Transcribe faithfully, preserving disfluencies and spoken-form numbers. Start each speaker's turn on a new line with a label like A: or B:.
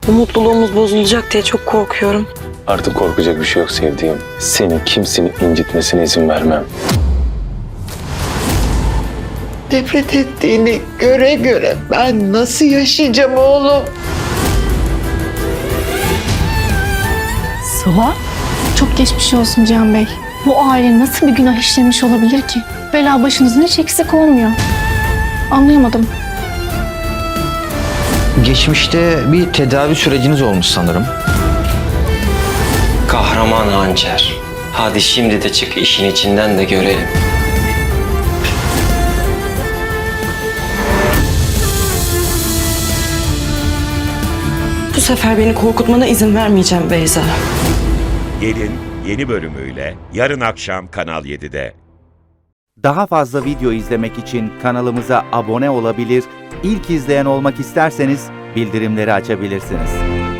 A: Bu mutluluğumuz bozulacak diye çok korkuyorum.
B: Artık korkacak bir şey yok sevdiğim. Seni kimsenin incitmesine izin vermem.
C: Nefret ettiğini göre göre ben nasıl yaşayacağım oğlum?
D: Sıla? Çok geçmiş olsun Cihan Bey. Bu aile nasıl bir günah işlemiş olabilir ki? Bela başınızın hiç eksik olmuyor. Anlayamadım.
E: Geçmişte bir tedavi süreciniz olmuş sanırım.
F: Kahraman hançer. Hadi şimdi de çık işin içinden de görelim.
A: Bu sefer beni korkutmana izin vermeyeceğim Beyza.
G: Gelin yeni bölümüyle yarın akşam Kanal yedide.
H: Daha fazla video izlemek için kanalımıza abone olabilir, ilk izleyen olmak isterseniz bildirimleri açabilirsiniz.